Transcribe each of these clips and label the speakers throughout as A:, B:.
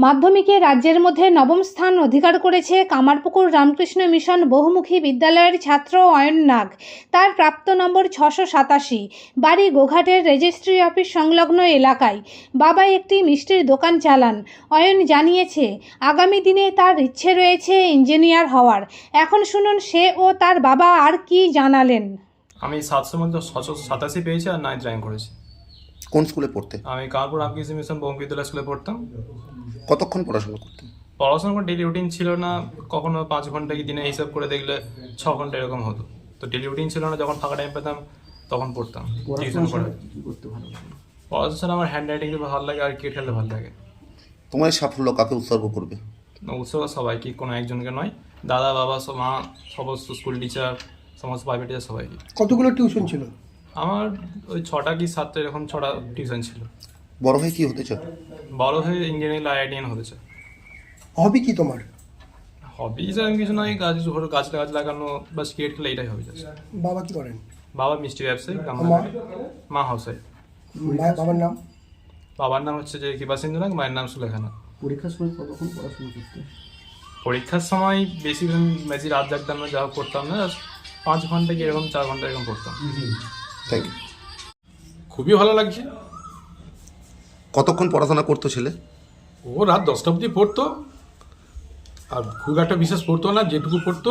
A: মাধ্যমিকে রাজ্যের মধ্যে নবম স্থান অধিকার করেছে কামারপুকুর রামকৃষ্ণ মিশন বহুমুখী বিদ্যালয়ের ছাত্র অয়ন নাগ। তার প্রাপ্ত নম্বর 687। বাড়ি গোঘাটের রেজিস্ট্রি অফিস সংলগ্ন এলাকায়। বাবা একটি মিষ্টির দোকান চালান। অয়ন জানিয়েছে আগামী দিনে তার ইচ্ছে রয়েছে ইঞ্জিনিয়ার হওয়ার। এখন শুনুন সে ও তার বাবা আর কি জানালেন।
B: আমি 700 মধ্যে 687 পেয়েছি আর 9th র্যাঙ্ক করেছি।
C: কোন স্কুলে পড়তে?
B: আমি কানপুর রামকৃষ্ণ মিশন বহুমুখী বিদ্যালয় স্কুলে পড়তাম।
C: কতক্ষণ পড়াশোনা করতেন?
B: পড়াশোনা কোনো ডেলি রুটিন ছিল না, কখনো 5 ঘন্টা কি দিনে হিসাব করে দেখলে 6 ঘন্টা এরকম হতো। তো ডেলি রুটিন ছিল না, যখন ফাঁকা টাইম পেতাম তখন পড়তাম। টিউশন করে পড়াশোনা আমার হ্যান্ড রাইটিং খুব ভালো লাগে আর ক্রিকেট খেলতে ভালো লাগে।
C: তোমার এই সাফল্য কাকে উৎসর্গ করবে?
B: উৎসব সবাইকে, কোনো একজনকে নয়। দাদা, বাবা, মা, সমস্ত স্কুল টিচার, সমস্ত প্রাইভেট টিচার সবাইকে।
D: কতগুলো টিউশন ছিল?
B: আমার ওই 6টা কি 7টা এরকম 6টা টিউশন ছিল।
C: বড় হয়ে কি হতে চাও?
B: বড় হয়ে ইঞ্জিনিয়ারিং আইআইটিএন হতে চাই।
D: হবি কি তোমার?
B: হবি যেরকম কিছু নয়, গাছ লাগানো বা ক্রিকেট খেলা, এটাই হবি।
D: বাবা কি করেন?
B: বাবা মিষ্টি ব্যবসায়ী, মা হাউস ওয়াইফ।
D: বাবার নাম?
B: বাবার নাম হচ্ছে যে কৃপা সিন্ধু নাগ, মায়ের নাম সুলেখানা।
D: পরীক্ষার সময় কতক্ষণ পড়াশোনা করতে?
B: পরীক্ষার সময় বেশি রাত জাগতাম না, যা করতাম না, 5 ঘন্টা কি এরকম 4 ঘন্টা এরকম পড়তাম।
C: Thank you.
E: খুবই ভালো লাগছে।
C: কতক্ষণ পড়াশোনা করতো ছেলে?
E: ও রাত 10টা অবধি পড়তো, আর খুব একটা বিশেষ পড়তো না, যেটুকু পড়তো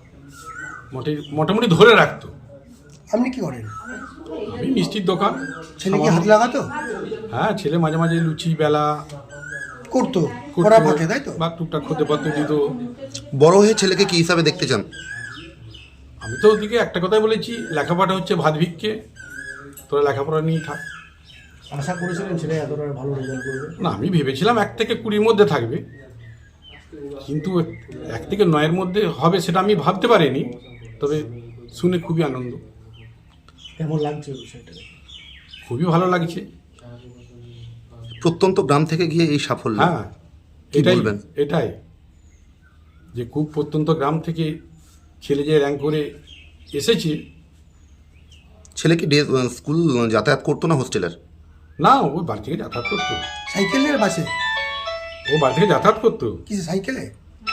E: মোটামুটি ধরে রাখতো।
D: আপনি কি করেন?
E: আমি মিষ্টির দোকান।
D: ছেলে কি হাত লাগাতো?
E: হ্যাঁ, ছেলে মাঝে মাঝে লুচি বেলা
D: করতো, পড়া ফাঁকে, তাই তো?
E: বা টুকটাক খেতে পারতো, দিত।
C: বড় হয়ে ছেলেকে কি হিসাবে দেখতে চান?
E: আমি তো ওদিকে একটা কথাই বলেছি, লেখাপড়া হচ্ছে ভাত ভিক্ষে, তোরা লেখাপড়া নিয়ে থাক।
D: আশা করেছিলেন ছেলে এতটা ভালো রেজাল্ট করবে?
E: না, আমি ভেবেছিলাম 1 থেকে 20-র মধ্যে থাকবে, কিন্তু 1 থেকে 9-এর মধ্যে হবে সেটা আমি ভাবতে পারিনি। তবে শুনে খুবই আনন্দ।
D: কেমন লাগছে বিষয়টা?
E: খুবই ভালো লাগছে।
C: প্রত্যন্ত গ্রাম থেকে গিয়ে এই সাফল্য,
E: হ্যাঁ,
C: কি বলবেন?
E: এটাই যে খুব প্রত্যন্ত গ্রাম থেকে ছেলে যে র্যাঙ্ক করে এসেছে।
C: ছেলে কি স্কুল যাতায়াত করতো না হোস্টেলের?
E: না, ও বাড়ি থেকে যাতায়াত করতো।
D: সাইকেলের বাসে?
E: ও বাড়ি থেকে যাতায়াত করতো।
D: কি সাইকেলে?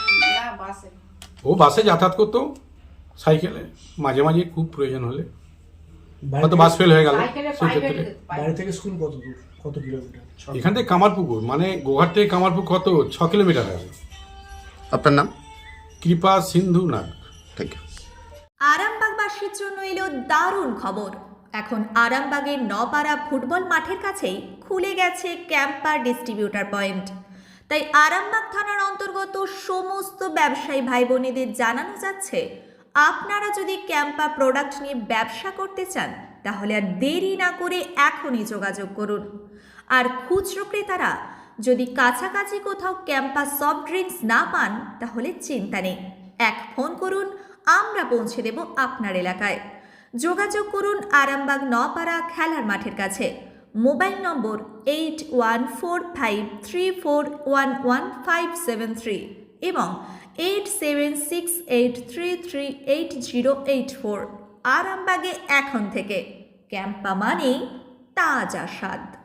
E: ও বাসে যাতায়াত করতো, সাইকেলে মাঝে মাঝে খুব প্রয়োজন হলে, হয়তো বাস ফেল হয়ে গেল সেই ক্ষেত্রে।
D: বাড়ি থেকে স্কুল কত দূর, কত কিলোমিটার?
E: এখান থেকে কামারপুকুর, মানে গোঘাট থেকে কামারপুকুর কত 6 কিলোমিটার আছে।
C: আপনার নাম?
E: কৃপা সিন্ধু নাগ।
C: Thank you.
F: আরামবাগবাসীর জন্য এলো দারুণ খবর। এখন আরামবাগের নপাড়া ফুটবল মাঠের কাছেই খুলে গেছে ক্যাম্পা ডিস্ট্রিবিউটার পয়েন্ট। তাই আরামবাগ থানার অন্তর্গত সমস্ত ব্যবসায়ী ভাই বোনেদের জানানো যাচ্ছে, আপনারা যদি ক্যাম্পা প্রোডাক্ট নিয়ে ব্যবসা করতে চান তাহলে আর দেরি না করে এখনই যোগাযোগ করুন। আর খুচরো ক্রেতারা যদি কাছাকাছি কোথাও ক্যাম্পা সফট ড্রিঙ্কস না পান তাহলে চিন্তা নেই, এক ফোন করুন, আমরা পৌঁছে দেব আপনার এলাকায়। যোগাযোগ করুন আরামবাগ নপাড়া খেলার মাঠের কাছে। মোবাইল নম্বর 814834115573 এবং 8768338084। আরামবাগে এখন থেকে ক্যাম্পা মানেই তাজা স্বাদ।